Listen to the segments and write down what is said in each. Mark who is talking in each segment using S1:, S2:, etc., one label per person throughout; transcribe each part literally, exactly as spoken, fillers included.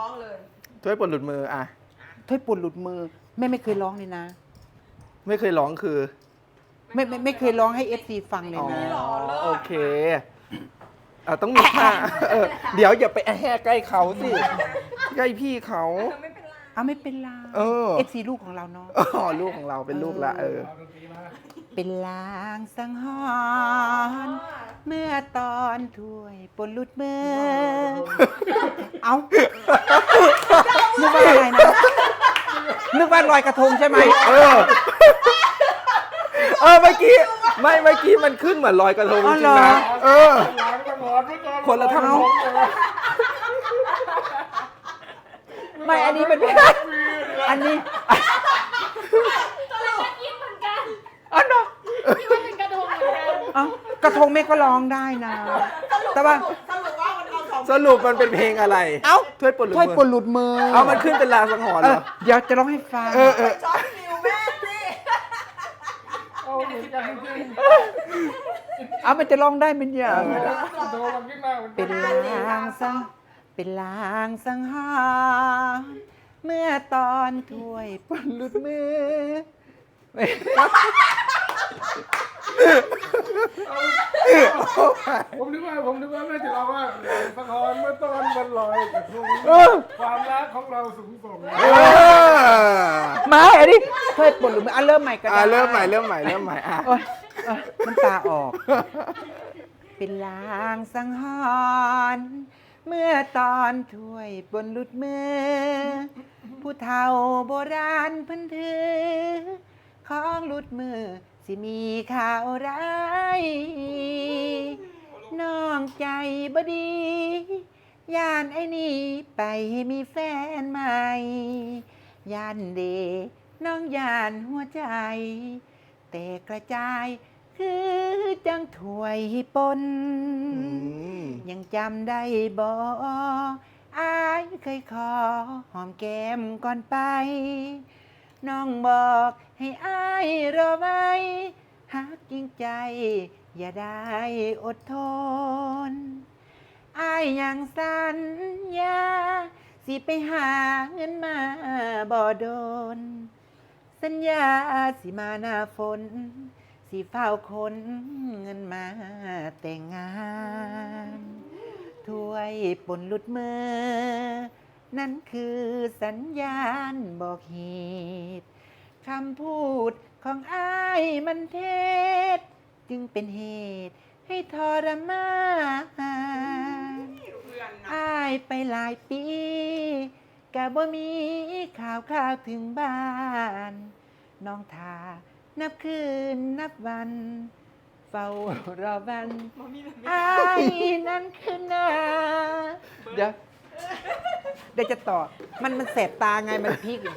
S1: ร้องเลย
S2: ถ้วยป่นหลุดมืออ่ะ
S3: ถ้วยป่นหลุดมือแม่ไม่เคยร้องเลยนะ
S2: ไม่เคยร้องคือ
S3: ไม่ไม่ไม่เคยร้องให้เอฟซีฟังเลย
S2: อ๋อ
S3: นะ
S2: โอเคอ่ะต้องมีท่าเออเดี๋ยวอย่าไปแห่ใกล้เขาสิใกล้พี่เขา
S1: ไม่เป็นไร
S3: เอาไม่เป็นไร
S2: เออ
S3: เอฟซีลูกของเราเนาะ
S2: อ๋อลูกของเราเป็นลูกละเออ
S3: เป็นลางสังหรณ์เมื่อตอนถ้วยป่นหลุดมือ เอานึกว่าอะไรนะนึกว่าลอยกระทงใช่ไหม
S2: เออ เออเมื่อกี้ไม่เมื่อกี้มันขึ้นเหมือนลอยกระทงจริงๆนะเออ คนละทำนอง
S3: ไม่อันนี้เป็นอันนี้
S1: ตอนแรกก็คิดเหมือนกัน
S3: อ๋อเนาะ
S1: คิดว่าเป็นกระทงเหมือนกัน
S3: เอ้ากระทงแม่ก็ร้องได้นะ แต่ว่า
S1: สรุปว่ามันเอาสอง
S2: สรุปมันเป็นเพลงอะไร
S3: เอ้า
S2: ถ้วยป่นหลุด
S3: ถ้วย
S2: มื
S3: ป่นหลุดมือ
S2: เอามันขึ้นเป็นลางสังหรณ์
S3: เอ
S2: เหร
S3: อ
S2: อ
S3: เดี๋ยวจะร้องให้ฟัง
S2: เออเออ
S1: ช็อตฟิวแม่สิ
S4: เอาเหมือนกันจริง
S3: เอามันจะร้องได้เป็นอย่าง
S4: ๆโดนมันขึ้นมาเหมือน
S3: เป็นลางสังเป็นลางสังหรณ์เมื่อตอนถ้วยป่นหลุดมือ
S4: ผมนึกว่าผมนึกว่าแม่จะร้องว่าสะท้อนเมื่อตอนมันลอยกระทงความรักของเราสูงส่ง
S2: เออ
S3: มาอันนี้ถ้วยป่นหลุดมืออ่ะเริ่มใหม่ก็ได้
S2: อ่ะเริ่มใหม่เริ่มใหม่เริ่มใหม่อ่ะ
S3: โอ๊ยโอ๊ยน้ำตาออก เป็นลางสังหรณ์เมื่อตอนถ้วยบนหลุดมือ ผู้เฒ่าโบราณเพันถือ ของหลุดมือ สิมีข่าวร้ายน้องใจบดีย่านไอ้นี่ไปมีแฟนใหม่ย่านเดน้องย่านหัวใจ แต่กระจายคือจังถวยปน
S2: ม
S3: ยังจำได้บ่อายเคยขอหอมแก้มก่อนไป น้องบอกให้อายรอไว้หักจริงใจ อย่าได้อดทนอายยังสัญญา สิไปหาเงินมาบ่โดน สัญญาสิมาหน้าฝน สิเฝ้าคนเงินมาแต่งงานถ้วยป่นหลุดมือ นั่นคือสัญญาณบอกเหตุคำพูดของอ้ายมันเท็จจึงเป็นเหตุให้ทรมานอ้ายไปหลายปีกะบ่มีข่าวข่าวถึงบ้าน น้องทานับคืนนับวัน เฝ้ารอวันอ้ายนั้นคือนาเดี๋ยวเดี๋ยวจะต่อ มันมันแสบตาไงมันพลิกอยู่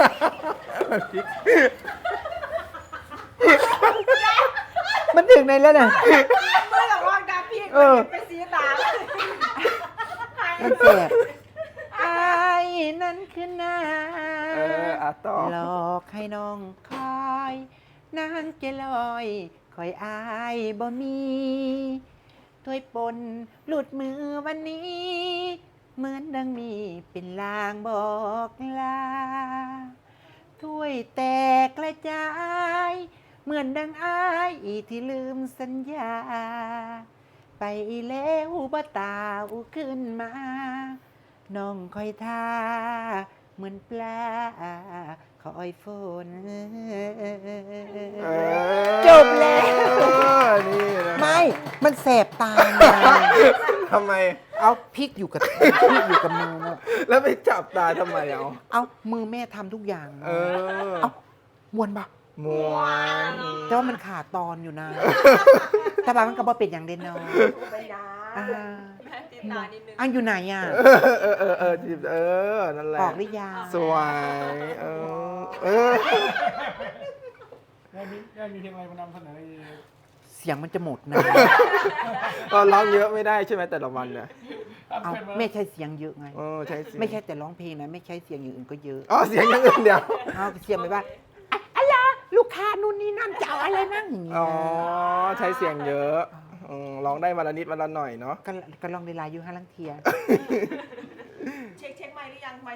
S3: มันถึงไหนแล้วน่ะ
S1: เมื่อหลังว่างดาพี่
S3: เออ
S1: ไปซีตา
S3: มันแสบอ้ายนั้นคือนา
S2: เอออ่ะต่อ
S3: หลอกให้น้องคอยนางเจลอยคอยอายบ่มีถ้วยปนหลุดมือวันนี้ เหมือนดังมีเป็นลางบอกลาถ้วยแตกกระจาย เหมือนดังอายที่ลืมสัญญา ไปแล้วบ่ตาอุขึ้นมา น้องคอยท่าเหมือนปลาคอยฝน
S2: เออ
S3: จบแล้ว
S2: เออนี่นะ
S3: ไม่ มันแสบตาไง
S2: ทำไม
S3: เอาพริกอยู่กับพริกอยู่กับมือนะ
S2: แล้วไปจับตาทำไมเอา
S3: เอามือแม่ทำทุกอย่าง
S2: เออ
S3: เอามวนปะ
S2: มวน
S3: แต่ว่ามันขาดตอนอยู่นะ แต่บางมันก็บ่เป็นอย่างเด่นเนอน
S1: ไปนะ
S3: อ่า
S1: แม่ติดตานิดนึง
S3: อันอยู่ไหนอ่ะ
S2: เออเออเออเออจีบเออ นั่นแหละ
S3: ออกหรือยัง
S2: สวยเออเออ
S4: แม่มีแม่มีเพลงอะไรมานำเสนออีก
S3: เสียงมันจะหมดนะ
S2: ก็ร้องเยอะไม่ได้ใช่ไหมแต่ละวันเนี่ย
S3: เอาไม่ใช่เสียงเยอะไง
S2: เออใช่เสียง
S3: ไม่ใช่แต่ร้องเพลงนะ ไม่ใช่เสียงอย่างอื่นก็เยอะ
S2: อ๋อเสียงอย่างอื่นเดียว
S3: เอาเสียงไปว่าอะอะไรลูกค้านู่นนี่นั่นจะเอาอะไรนั่งอย่างเงี้ย
S2: อ๋อใช้เสียงเยอะอืมร้องได้วันละนิดวันละหน่อยเนาะ
S3: ก็ก็ลองในไลน์อยู่ห้าลังเทีย